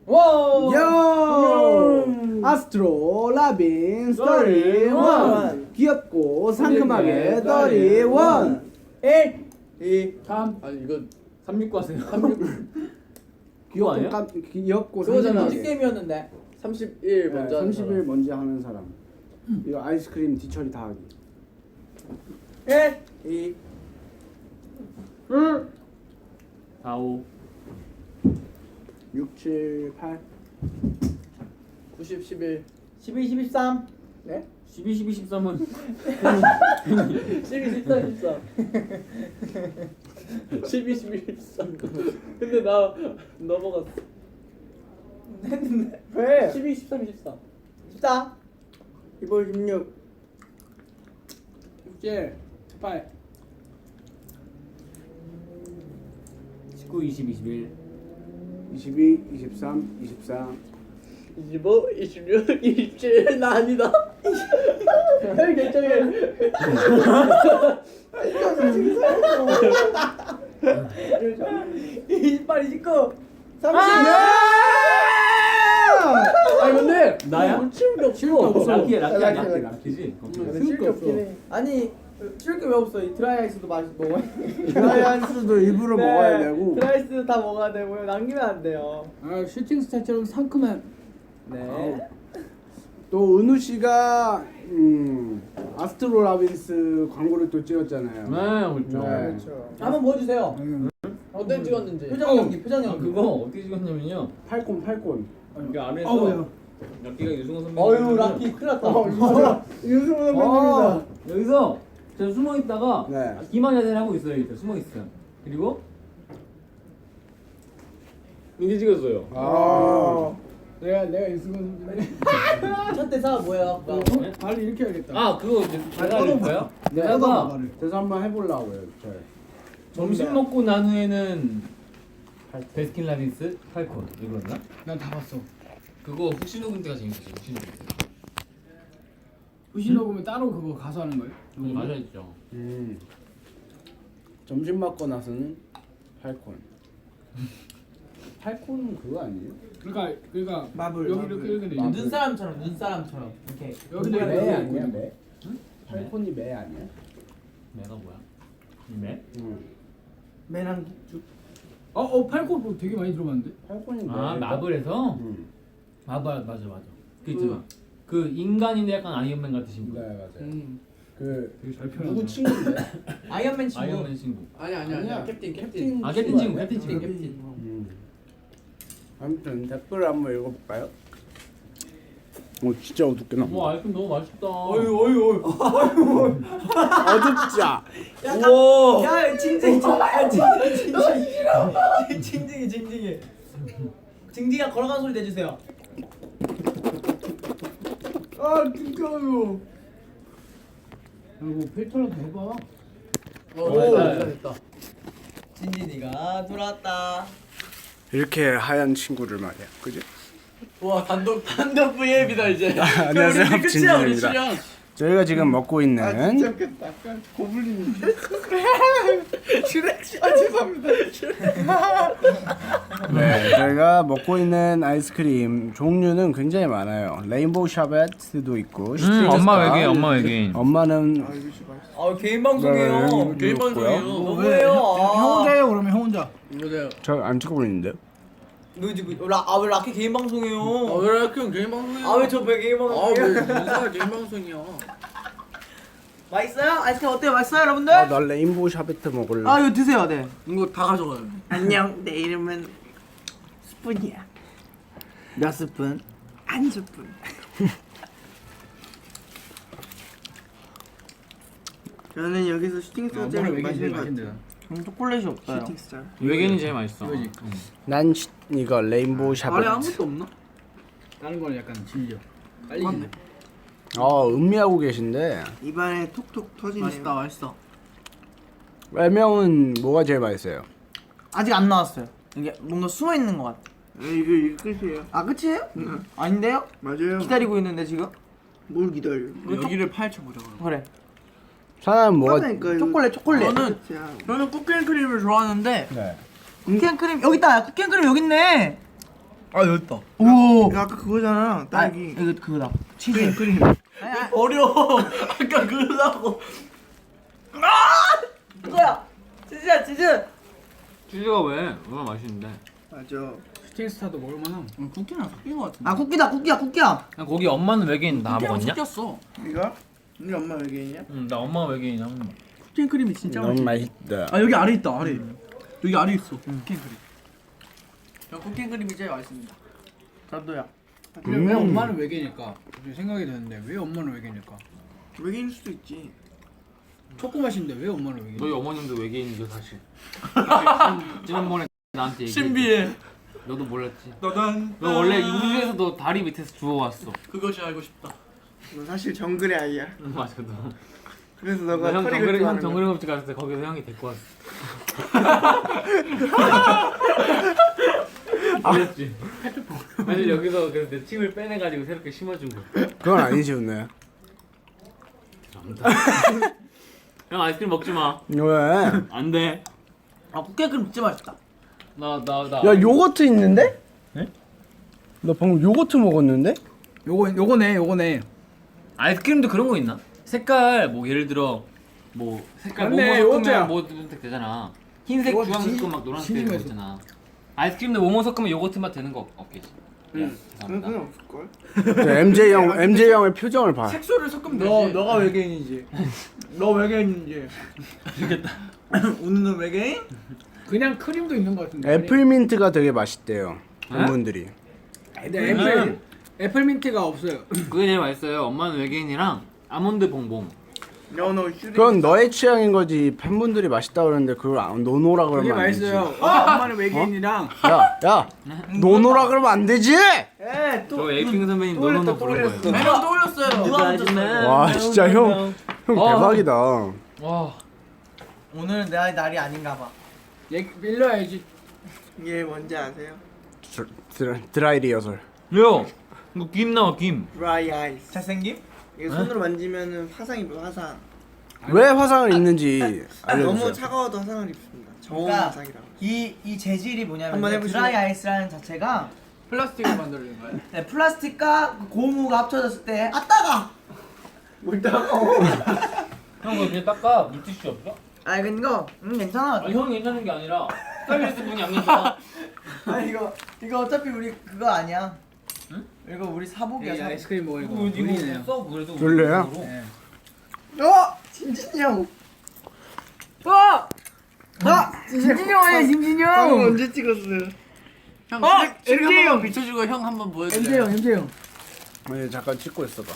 와. 요! 아스트로 라빈 31 귀엽고 상큼하게 31 1 2 3 아니 이거 369 하세요. 그거 아니야? 귀엽고 그거잖아. 상큼하게 게임이었는데 31 먼저 하는 30일 먼저 하는 사람 이거 아이스크림 뒤처리 다 하기 1 2 4 5 6, 7, 8 90 11 12, 13. 네? 12, 12, 13은 12 13 14 12 11 13 근데 나 넘어갔어. 왜? 12 13 14 14. 이번 16 7, 8 19, 20, 21 22, 23, 24 25 26 27 나 아니다. 형 결정해. 28, 29. 30. 아니 근데 나야? 치운 게 없어. 라키야 라키지? 쉬울 게 없어 아니, 쉴 게 왜 없어? 이 드라이아이스도 먹어야 드라이아이스도 일부러 먹어야 되고 드라이아이스도 다 먹어야 되고요. 남기면 안 돼요. 아 슈팅 스타처럼 상큼한 네. 또 은우 씨가 아스트로 라빈스 광고를 또 찍었잖아요. 네 그렇죠 네. 그렇죠. 한번 보여주세요. 어떤 찍었는지. 표정 연기, 표정 아, 연기. 그거 어떻게 찍었냐면요 팔콘 그 안에서 어우야. 라키가 유승호 선배님 어유 라키 큰일 났다. 유승우 아, 여기서 제가 숨어 있다가 네. 기만 자세를 하고 있어요. 이렇게 숨어 있어요. 그리고 이게 찍었어요. 아 내가 유승우 선배님 첫 대사가 뭐예요? 아까? 발을 이렇게 해야겠다. 아 그거 이제 제가 할까요? 네. 내가 그래서 한번 해보려고요. 저 점심 먹고 난 후에는 베스킨라빈스 팔콘 이거였나? 난 다 봤어. 그거 훅신호 군대가 재밌었어요. 훅신호 군대. 후시 녹으면 따로 그거 가서 하는 거예요? 맞아있죠. 점심 먹고 나서는 팔콘. 팔콘은 그거 아니에요? 그러니까 마블. 여기 이렇게 이렇게 돼. 마블. 눈사람처럼 이렇게. 여기 매 아니야 매? 팔콘이 매 아니야? 매가 뭐야? 매? 매랑 쭉. 팔콘 되게 많이 들어봤는데. 팔콘이 매. 아 마블에서? 맞아. 그 있잖아. 그 인간인데 약간 아이언맨 같으신 분. 네 맞아요. 그 되게 잘 누구 표현한다. 친구인데? 아이언맨 친구. 아이언맨 친구. 아니야. 캡틴. 아 캡틴 친구. 아무튼 댓글 한번 읽어볼까요? 오 진짜 어둡게 나와. 와 아이스크림 너무 맛있다. 어유. 어둡자. 우와. 야, 징징이. 징징이가 걸어가는 소리 내주세요. 아 진짜요. 그리고 필터라도 해봐. 됐다. 진진이가 돌아왔다. 이렇게 하얀 친구를 말이야, 그지? 와 단독 V앱이다 이제. 안녕하세요, 우리 끝이야 우리 진진입니다. 출연. 저희가 지금 먹고 있는 약간 고블린. 죄송합니다. 네, 저희가 먹고 있는 아이스크림 종류는 굉장히 많아요. 레인보우 샤베트도 있고, 엄마 외계인. 엄마는 개인 방송이에요. 개인 방송이에요. 너무해요. 형 혼자예요 그러면 형 혼자. 맞아요. 저 안 찍고 있는데요? 왜 라키 개인 방송이에요? 왜 이렇게 형 개인 방송이야? 왜 저 개인 방송이에요? 뭔가 개인 방송이야. 맛있어요? 아이스크림 어때요? 맛있어요, 여러분들? 나 레인보우 샤베트 먹을래. 이거 드세요, 네. 이거 다 가져가요. 안녕, 내 이름은 스푼이야. 몇 스푼? 한 스푼. 저는 여기서 슈팅스타 제일 맛있는 것 같아요. 초콜릿이 없어요. 슈팅스타. 외계인이 제일 맛있어. 난 이거 레인보우 아래 샤베트. 아무것도 없나? 다른 거는 약간 질려. 빨리. 맞네. 음미하고 계신데 입안에 톡톡 터지네요. 맛있어. 애명은 뭐가 제일 맛있어요? 아직 안 나왔어요. 이게 뭔가 숨어 있는 것 같아. 이게 끝이에요. 아 끝이에요? 아닌데요? 맞아요. 기다리고 있는데 지금? 뭘 기다려? 여기를 파헤쳐 보자. 그래. 사나는 뭐가? 초콜릿. 저는 쿠키앤크림을 좋아하는데 네. 쿠키앤크림 여기 있다. 쿠키앤크림 여기 있네. 아 여기 있다. 오. 이거 아까 그거잖아. 딸기. 이거 그거다. 치즈. 크림. 아니야. 버려. 아까 그거라고. 아! 이거야. 치즈야 치즈. 치즈가 왜? 얼마나 맛있는데. 맞아. 스팅스타도 먹을만함. 쿠키랑 섞인 것 같은데. 아 쿠키다 쿠키야. 난 거기 엄마는 외계인 다 먹었냐? 섞였어. 이거? 네 엄마 외계인이야? 응, 나 엄마 외계인이야. 쿠키 크림이 진짜 너무 맛있어. 맛있다. 아 여기 아래 있다 아래. 여기 아래 있어. 쿠키 크림. 저 쿠키 크림이 제일 맛있습니다. 나도야. 근데 왜 엄마는 외계니까? 갑자기 생각이 드는데 왜 엄마는 외계니까? 외계인일 수도 있지. 초코 맛인데 왜 엄마는 외계니? 너희 어머님도 외계인이죠 사실. 지난번에 나한테 얘기해. 신비해. 너도 몰랐지. 너는 너 원래 이 우주에서도 다리 밑에서 주워왔어. 그것이 알고 싶다. 너 사실 정글의 아이야. 응, 맞아 너. 그래서 너 너가 형 털이 정글이 긁고 형 정글이 흡집 갔을 때 거기서 형이 데리고 왔어. 그랬지. 사실 여기서 그래서 내 침을 빼내가지고 새롭게 심어준 거야. 그건 아니지 은혜야. 죄송합니다. 형 아이스크림 먹지 마. 왜? 안 돼. 아 쿠키 크림 진짜 맛있다. 나. 야 요거트 있는데? 네? 나 방금 요거트 먹었는데? 요거네. 아이스크림도 그런 거 있나? 색깔 뭐 예를 들어 뭐 색깔 맞네, 뭐뭐 요거트야. 섞으면 뭐 선택 되잖아. 흰색, 요거트 주황색 진심- 막 노란색 진심에서. 이런 거 있잖아. 아이스크림도 뭐뭐 섞으면 요거트 맛 되는 거 없겠지. 그건 죄송합니다. 그건 없을걸? MJ 형의 표정을 봐. 색소를 섞으면 되지. 너가 외계인이지. 너 외계인이지. 알겠다. 웃는 외계인? 그냥 크림도 있는 것 같은데. 애플민트가 되게 맛있대요. 팬분들이. 근데 애플민트가 없어요. 그게 제일 맛있어요. 엄마는 외계인이랑 아몬드 봉봉. 너 슈리. 그건 너의 취향인 거지. 팬분들이 맛있다 그러는데 그걸 노노라 그게 그러면 안 되지. 맛있어요. 엄마는 외계인이랑 야, 노노라 그러면 안 되지. 저 에이핑 선배님 노노노 부른 거예요. 매력 떠올렸어요. 누가 붙였어요? 와 진짜 형 대박이다. 와. 오늘은 내 날이 아닌가 봐. 얘 밀려야지. 이게 뭔지 아세요? 드라이 리허설. 야, 이거 김 나와 김. 드라이 아이스. 잘생김? 이게 손으로 만지면은 화상 입어 화상. 왜 화상을 입는지 너무 알려주세요. 차가워도 화상을 입습니다. 저온 그러니까 화상이라고. 이 재질이 뭐냐면 한번 이제 해보시죠. 드라이 아이스라는 자체가 플라스틱을 만들어낸 거야. 네, 플라스틱과 그 고무가 합쳐졌을 때 따가. 뭘 따가워. 형 그거 그냥 닦아. 물티슈 없어? 아 이거 괜찮아. 아니 형이 괜찮은 게 아니라 스타일리스트 분이 안 괜찮아. 아니 이거 어차피 우리 그거 아니야. 응? 이거 우리 사복이야. 이 사복. 아이스크림 먹으니까 이거 물리네요. 써 그래도. 졸려요? 네. 진진이 형. 진진이 형 아니야 진진이 방금 형. 언제 찍었어요? 형 MJ 형 비춰주고 형 한번 보여줘. MJ 형. 아니 잠깐 찍고 있어봐.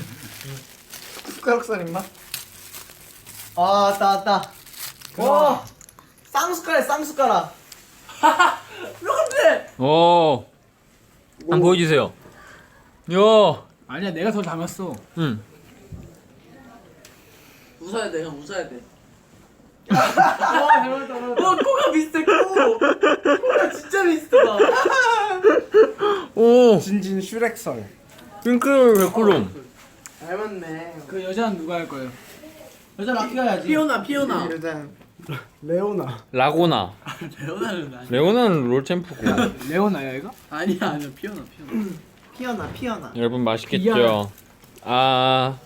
숟가락살 입맛? 왔다. 와. 쌍숟가락 쌍숟가락. 여러분들. 오. 한번 보여주세요. 야. 아니야 내가 더 담았어. 응. 웃어야 돼 형 웃어야 돼. 와 코가 비슷해 코. 코가 진짜 비슷하다. 오. 진진 슈렉설. 핑크 백구름. 닮았네. 그 여자는 누가 할 거예요? 여자 라키가 해야지. 피오나. 일단 레오나. 라고나. 레오나는 롤 챔프고. 레오나야 이거? 아니야 피오나. 피어나. 여러분 맛있겠죠? 아.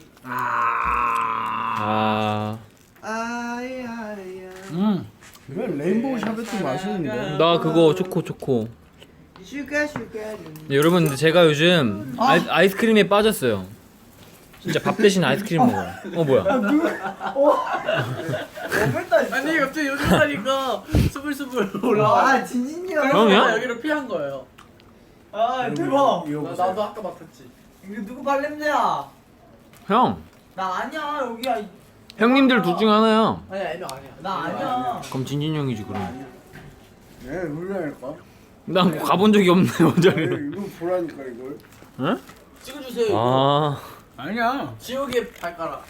아야야. 왜 레인보우 샤베트 맛있는데? 나 그거 초코. 슈가. 네, 여러분 근데 제가 요즘 아이스크림에 빠졌어요. 진짜 밥 대신 아이스크림 먹어요. 뭐야? 아니 갑자기 요즘 하니까 스불스불 올라와. 아 진진이 형. 형이야? 여기로 피한 거예요. 아 대박. 이거 보세요. 나도 아까 맡았지. 이거 누구 발냄새야? 형. 나 아니야 여기야. 형님들 둘 중 하나야. 아니야 애명 아니야. 나 아니야. 그럼 진진 형이지 그럼. 네, 물려할까? 난 가본 적이 없네 원장님. 이거 보라니까 이걸. 응? 찍어주세요. 이거. 아. 아니야. 지옥의 발가락.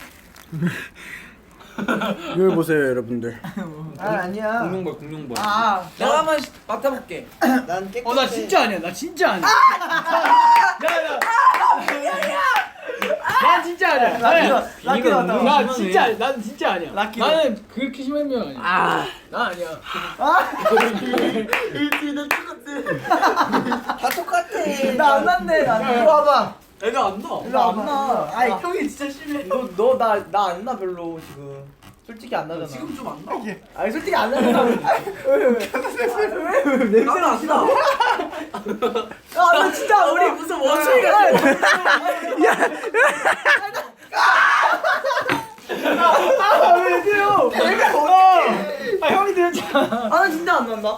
이걸 보세요 여러분들. 아니야. 공룡벌. 내가 한번 맡아볼게. 난 깨끗해. 나 진짜 아니야. 나 진짜 아니야. 야야. 난 진짜 아니야. 라키 왔다. 나 진짜 난 진짜 아니야. 라키도. 나는 그렇게 심한 명 아니야. 나 아니야. 다 똑같아. 나 안 났네. 나 이리 와봐. 애가 안 나. 나 안 나. 아이 형이 진짜 심해. 너나 안 나 별로 지금. 솔직히 안 나잖아. 지금 좀 안 나. 아니 솔직히 안 나잖아. 왜 냄새가 안 나? 나 진짜 우리 무슨 원숭이가. 왜 그래요? 아 형이 들었잖아. 나 진짜 안 난다.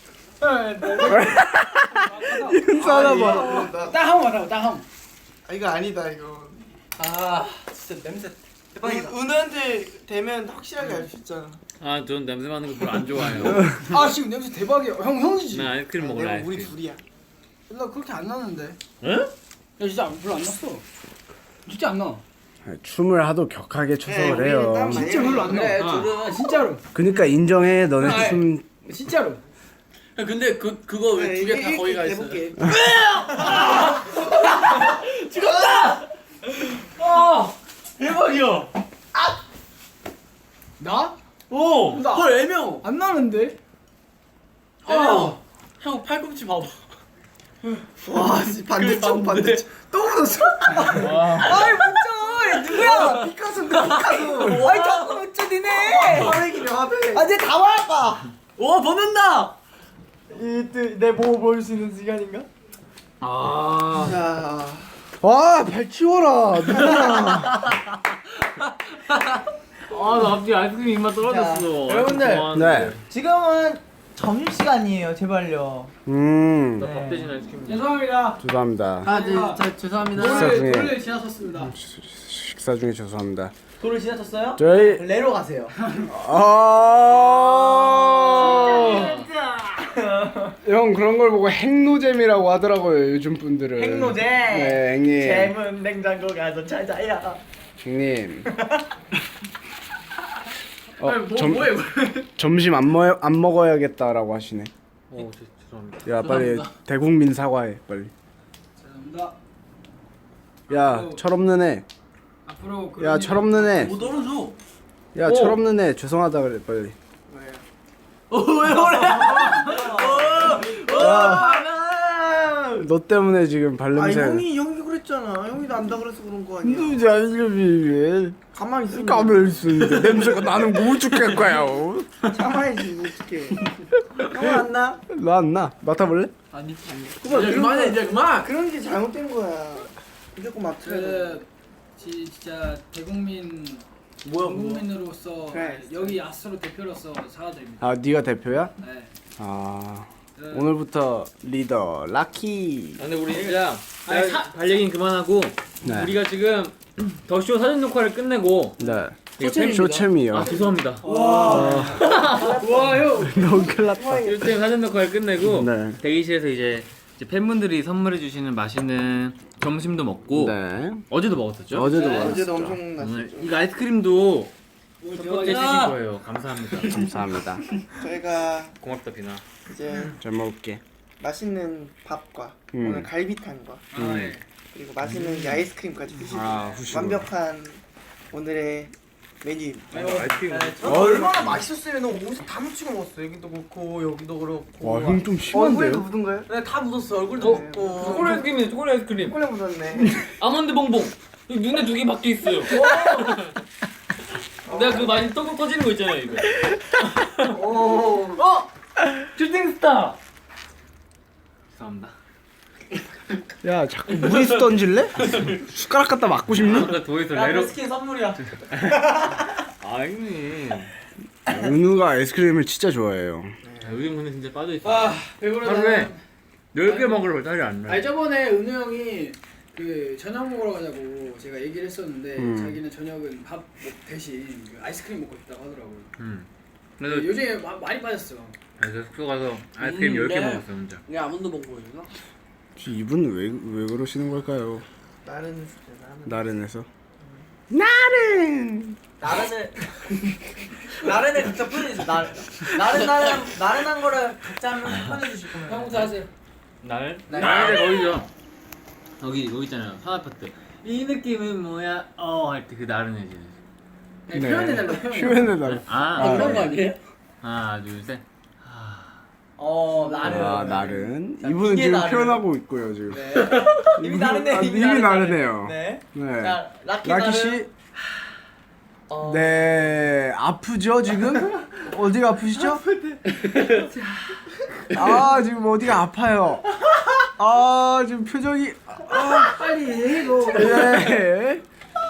인사하나 봐. 딱 한 번 하라고 딱 한 번. 아 이거 아니다 이거. 아 진짜 냄새 대박이다. 은우한테 되면 확실하게 알 수 있잖아. 아, 전 냄새 맡는 거 별로 안 좋아해요. 아 지금 냄새 대박이야. 형이지. 나 아이스크림 먹을래. 내가 아이스크림. 우리 둘이야. 나 그렇게 안 나는데. 응? 야 진짜 별로 안 났어. 진짜 안 나. 춤을 하도 격하게 춰서 그래요. 우리는 땀 진짜 별로 안 나. 그래, 둘은 진짜로. 그러니까 인정해. 너네 아이. 춤 진짜로. 근데 그거 왜 두 개 다 거기 가 있어? 해볼게. 대박이야. 나? 오. 헐 애명. 안 나는데. 애명. 형 팔꿈치 봐봐. 와 반대쪽 반대쪽. 또 묻었어. 아이 묻죠. 누구야? 피카소 피카소. 아이 자꾸 묻죠 니네. 화백이네 화백. 아, 이제 다 말할까? 오 벗는다. 내 몸을 보여줄 수 있는 시간인가? 아. 자. 와, 발 치워라. 누구야? 아, 나 갑자기 아이스크림 입맛 떨어졌어. 자, 여러분들. 네. 지금은 점심 시간이에요. 제발요. 밥 대신 아이스크림. 죄송합니다. 죄송합니다. 아, 네, 죄송합니다. 식사 중에. 돌을 지나섰습니다. 식사 중에 죄송합니다. 도를 지나쳤어요? 저희 레로 가세요. 형 그런 걸 보고 핵노잼이라고 하더라고요 요즘 분들은. 핵노잼. 네, 형님. 잼은 냉장고 가서 찾아야. 형님. 뭐해? 점심 안 먹어야겠다라고 하시네. 오, 죄송합니다. 야 빨리 대국민 사과해 빨리. 죄송합니다. 야 철없는 애. 앞으로 야 철없는 애. 못 떨어져. 야 철없는 애 죄송하다 그래 빨리. 왜 그래? 너 때문에 지금 아 발냄새. 형이 그랬잖아. 형이도 안다 그래서 그런 거 아니야. 누지 않으면 가만히 있어. 까면 있는데 냄새가 나는 못 죽겠 거야. 참아야지 어떡해. 형은 안 나? 너 안 나? 맡아볼래? 아니 이제 그만해 이제 그만. 그런 게 잘못된 거야. 무조건 맡아야 돼. 진짜 대국민 국민으로서 그래. 여기 아스트로 대표로서 사과드립니다. 아 네가 대표야? 네. 아 오늘부터 리더 라키. 근데 우리 진짜 아니, 발 얘기는 그만하고 네. 우리가 지금 더쇼 사전 녹화를 끝내고 네. 쇼챔입니다. 쇼챔이요. 아 죄송합니다. 와 형. 너무 큰일 났다. 쇼챔 사전 녹화를 끝내고 네. 대기실에서 이제 팬분들이 선물해 주시는 맛있는 점심도 먹고 네. 어제도 먹었었죠? 어제도 어제도 먹었죠. 엄청 났었죠. 오늘 이거 아이스크림도 서포트해 주신 대박이다. 거예요. 감사합니다. 감사합니다. 저희가 고맙다 비나. 이제 잘 먹을게. 맛있는 밥과 음. 오늘 갈비탕과 아, 네. 그리고 맛있는 이 아이스크림까지 드시고 아, 후식으로. 완벽한 오늘의 메뉴입니다. 아이스크림. 얼마나 맛있었으면 옷에 다 묻히고 먹었어. 여기도 그렇고 여기도 그렇고. 와, 형 좀 얼굴에도 심한데요? 묻은 거예요? 네, 다 묻었어. 얼굴도 묻고. 초콜릿 아이스크림이네. 초콜릿 아이스크림. 꼴에 묻었네. 아몬드 봉봉. 여기 눈에 두 개 박혀 있어요. 내가 그 많이 떡국 터지는 거 있잖아요 이거. 슈팅스타. 죄송합니다. 야 자꾸 무리수 던질래? 숟가락 갖다 맞고 싶니? 아까 도에서 야, 레로. 그 스킨 선물이야. 아 형님. 은우가 아이스크림을 진짜 좋아해요. 요즘 근데 진짜 빠져 있어. 아 배부르다. 하루에 10개 먹으러 딸이 안 나. 아니 저번에 은우 형이 그 저녁 먹으러 가자고 제가 얘기를 했었는데 자기는 저녁은 밥 대신 그 아이스크림 먹고 싶다고 하더라고요. 그래서 요즘에 많이 빠졌어. 그래서 숙소 가서 아이스크림 10개 네. 먹었어 혼자. 이게 아몬드 봉봉인가? 이분 왜 그러시는 걸까요? 나는 나른해서. 나른. 나른을 각자 표현해줘. 나른한 거를 각자 한 명 표현해주실 거면. 형부터 하세요. 날? 네. 날 거기죠. 여기 있잖아요. 산 아파트. 이 느낌은 뭐야? 할 때 그 나른해지는. 네, 표현해달라 표현. 표현해달라. 그런 거 아니에요? 하나 둘 셋. 나는. 나른. 자, 이분은 이게 지금 나른. 표현하고 있고요 지금. 네. 입이 나른해. 입이 나르네요. 네. 네. 자, 라키 라키 나른. 씨. 네, 아프죠 지금? 어디가 아프시죠? 아 지금 어디가 아파요? 아 지금 표정이 빨리 해도. 네.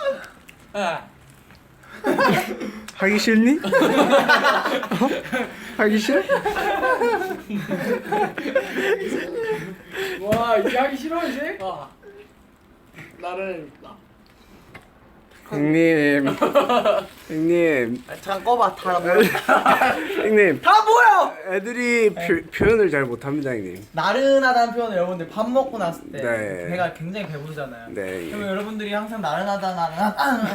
하기 싫니? 하기 싫어? 와 이게 하기 싫어 이제? 나를 형님, 형님, 잠깐 꺼봐. 다 뭐야? 형님. 다 뭐야? 애들이 표현을 잘 못합니다, 형님. 나른하다는 표현을 여러분들 밥 먹고 났을 때 네. 배가 굉장히 배부르잖아요. 네. 그럼 여러분들이 항상 나른하다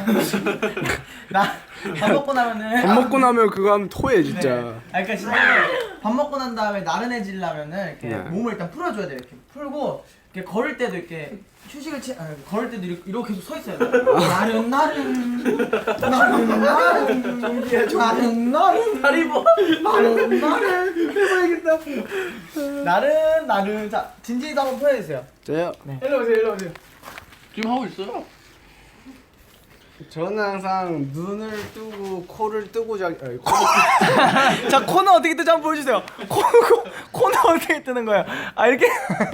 밥 먹고 나면은 밥 먹고 나면 그거 하면 토해 진짜. 네. 그러니까 진짜 밥 먹고 난 다음에 나른해지려면은 이렇게 네. 몸을 일단 풀어줘야 돼요. 이렇게 풀고 이렇게 걸을 때도 이렇게 휴식을 걸을 때도 이렇게 계속 서 있어야 돼요. 나른 다리 뭐 해봐야겠다. 나른 자 진진이도 한번 표현해주세요. 저요? 일로 오세요. 지금 하고 있어요. 저는 항상 눈을 뜨고 코를 뜨고 자. 자 코는 어떻게 뜨지 한번 보여주세요. 코는 어떻게 뜨는 거예요? 아 이렇게.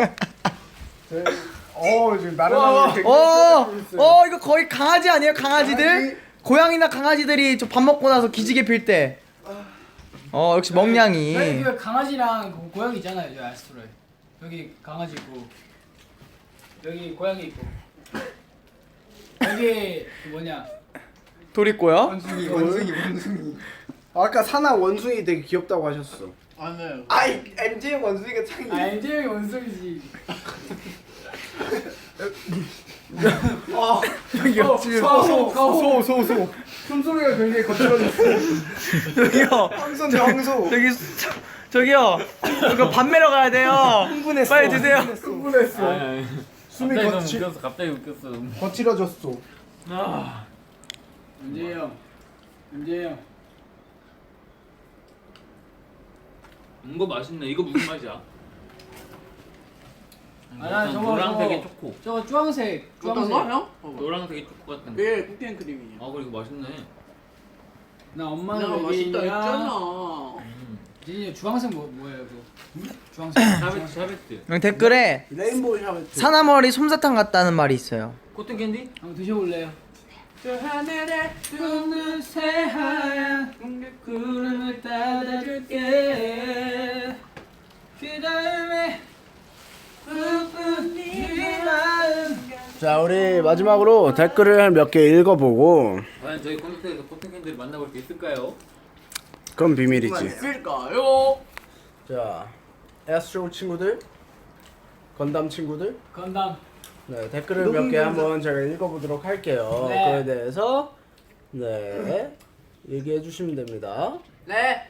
지금 나른하게. 이거 거의 강아지 아니에요? 강아지들? 고양이나 강아지들이 저 밥 먹고 나서 기지개 필 때. 역시 멍냥이. 여기 그 강아지랑 고양이 있잖아요 여기 아스트로에. 여기 강아지 있고 여기 고양이 있고 여기 그 뭐냐 돌 있고요. 원숭이. 아까 사나 원숭이 되게 귀엽다고 하셨어. 아니에요. 아이 MJ 원숭이가 창이. 아 MJ 원숭이지. 저기요 지금 소. 숨소리가 굉장히 거칠어졌어. 저기요. 황소. 저기요. 이거 밥 매러 가야 돼요. 흥분했어. 빨리 드세요. 흥분했어. 숨이 갑자기 웃겼어. 거칠어졌어. MJ 형. 이거 맛있네. 이거 무슨 맛이야? 아, 저거, 노란색의 저거. 초코. 저거 주황색. 어떤 거 형? 노란색의 초코 같은 거. 예, 쿠키앤 크림이에요. 그리고 맛있네. 나 엄마는 내가 맛있다 외계인이야. 했잖아. 진이 주황색 뭐예요 그거? 주황색. 샤베트. 여기 댓글에 레인보우 샤베트. 사나머리 솜사탕 같다는 말이 있어요. 코튼 캔디? 한번 드셔볼래요? 저 하늘에 뜨는 새하얀 구름을 따라줄게. 그 다음에 네 마음. 자 우리 마지막으로 댓글을 몇 개 읽어보고 과연 저희 콘서트에서 코튼 캔디를 만나볼 수 있을까요? 그건 비밀이지. 있을까요? 자 에스트로 친구들, 건담 친구들, 건담. 네 댓글을 몇 개 한번 제가 읽어보도록 할게요. 네. 그에 대해서 네 얘기해 주시면 됩니다. 네.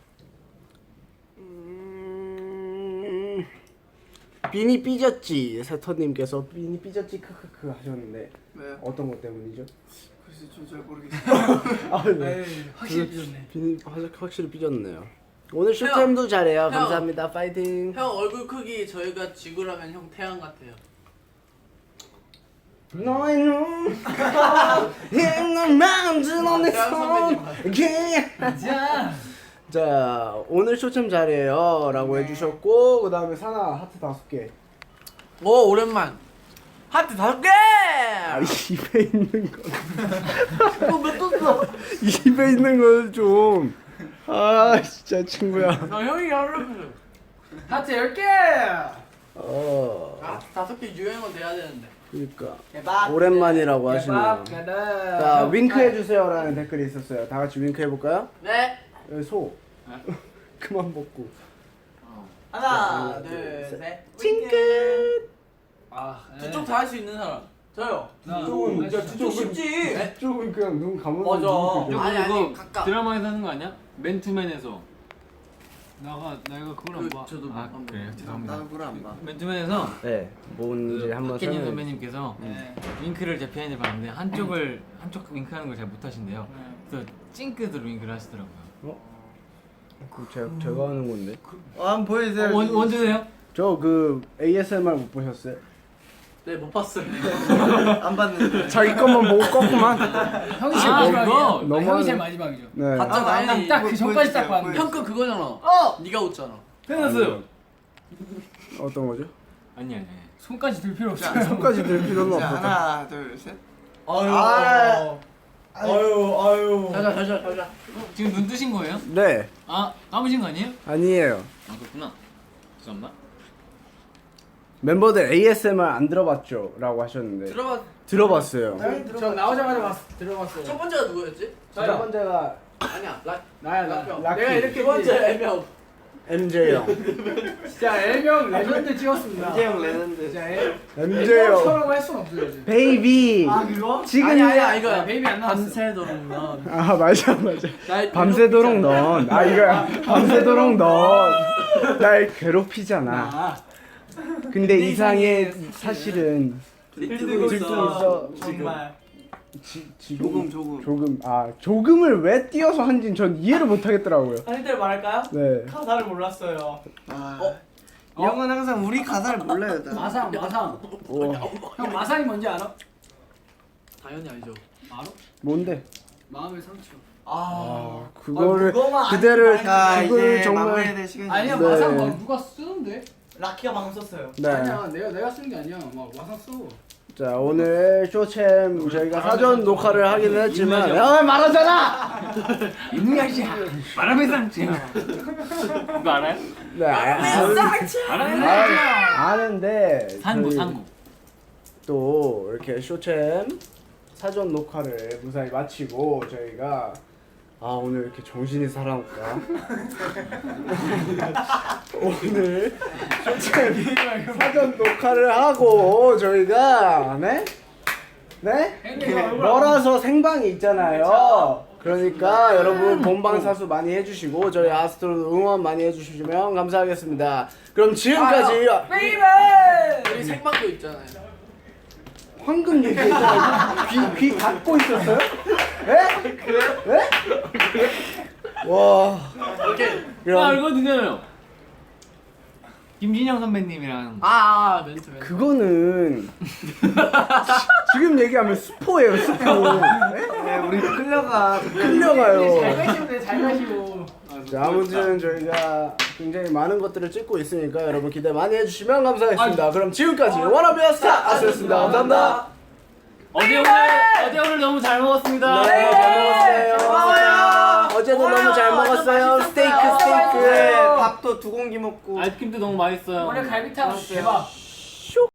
빈이 삐졌지. 세터님께서 빈이 삐졌지 크크크 하셨는데 네. 어떤 것 때문이죠? 글쎄 잘 모르겠어요. 아 네. 확실히 삐졌네. 빈이 확실히 삐졌네요. 오늘 쇼타임도 잘해요. 감사합니다. 파이팅. 형 얼굴 크기 저희가 지구라면 형 태양 같아요. 너의 눈, 내 마음 드러내 손. 자 오늘 쇼참 잘해요 라고 해주셨고 그 다음에 사나 하트 5개. 오 오랜만. 하트 5개. 입에 있는 거. 입에 있는 걸 좀. 아 진짜 친구야. 나 형이 하려고. 하트 10개. 아 5개 유행어 돼야 되는데. 그러니까 대박. 오랜만이라고 하시네요. 대박. 자 윙크 해주세요라는 댓글이 있었어요. 다 같이 윙크 해볼까요? 네. 여기 소. 그만 먹고. 하나, 둘, 둘, 셋. 찡긋. 아, 저쪽 다 할 수 있는 사람. 저요. 이쪽은 저쪽 쉽지. 이쪽은 그냥 눈 감으면 맞아. 눈 뜨죠. 아니, 그거 가까. 드라마에서 하는 거 아니야? 맨투맨에서 나 이거 그걸 안 봐. 저도 아 그래요? 죄송합니다. 나도 그걸 안 봐. 맨투맨에서 네, 뭔지 한번 박혜진 설명해. 선배님께서 윙크를 제 피아노를 봤는데 한쪽 윙크하는 걸 잘 못하신대요. 그래서 찡긋으로 윙크를 하시더라고요. 제가 하는 건데. 한번 보여주세요. 원주세요? 저 그 ASMR 못 보셨어요? 네, 못 봤어요. 안 봤는데. 자기 것만 보고 껐구만. 형이 제일 아, 마지막이야. 그거? 아, 형이 제일 마지막이죠. 네. 아니, 딱그 전까지 딱 봤는데. 형 거 그거잖아. 네가 웃잖아. 끝났어요. 어떤 거죠? 아니. 손까지 들 필요 없어. 손까지 들 필요는 자, 없었다. 하나, 둘, 셋. 가자. 지금 눈 뜨신 거예요? 네, 아 감으신 거 아니에요? 아니에요. 아 그렇구나. 죄송합니다. 멤버들 ASMR 안 들어봤죠? 라고 하셨는데 들어봤어요. 저 나오자마자 들어봤어요. 첫 번째가 누구였지? 첫 번째가 아니야. 나야. 락키. 내가 이렇게 두 번째 애명. MJ 형. 진짜 L명 레전드 찍었습니다. 이재영 레전드. 진짜 MJ 형. L명처럼 할 순 없어요. 지금. 베이비. 그거? 지금 아니야 이거야. 베이비 안 나왔어. 밤새도록 넌. 아 맞아. 밤새도록 넌. 아 이거야. 밤새도록 넌. 날 괴롭히잖아. 근데 이상해 사실은 들뜨고 있어. 정말. 조금. 조금. 조금을 왜 띄어서 한진 전 이해를 못 하겠더라고요. 한일대로 말할까요? 네. 가사를 몰랐어요. 이 형은 항상 우리 가사를 몰라요. 나. 마상. 형 마상이 뭔지 알아? 당연히 알죠. 알아? 뭔데? 마음의 상처. 그거를 그거만 그대를 자, 그걸 이제 정말 마무리해야 될 시간이 아니야 네. 마상 막 누가 쓰는데? 라키가 방금 썼어요. 네. 아니야 내가 쓴 게 아니야. 막 마상 써. 자 오늘 쇼챔 저희가 사전 녹화를 하기는 했지만 말하잖아. 임야시야. 바람의 상처. 이거 알아요? 네. 아는데 저희 상고. 또 이렇게 쇼챔 사전 녹화를 무사히 마치고 저희가 오늘 이렇게 정신이 살아올까? 오늘 쇼챔 사전 녹화를 하고 저희가 네? 멀어서 생방이 있잖아요. 그러니까 여러분 본방사수 많이 해주시고 저희 아스트로 응원 많이 해주시면 감사하겠습니다. 그럼 지금까지 우리 생방도 있잖아요. 황금 얘기했잖아요. 귀 닫고 있었어요? 에? 그래? 와. 오케이. 그럼 알거든요. 김진영 선배님이랑 멘트. 그거는 지금 얘기하면 스포예요, 스포. 네, 우리 끌려가요. 잘 가시면 돼. 잘 가시고. 자, 아무튼 저희가 굉장히 많은 것들을 찍고 있으니까 여러분 기대 많이 해주시면 감사하겠습니다. 그럼 지금까지 워너비어 스타 아스였습니다. 감사합니다. 어제 오늘 너무 잘 먹었습니다. 네, 잘 먹었어요. 어제도 너무 잘 먹었어요. 스테이크. 네, 밥도 2공기 먹고. 아이스크림도 너무 맛있어요. 오늘 갈비탕 대박.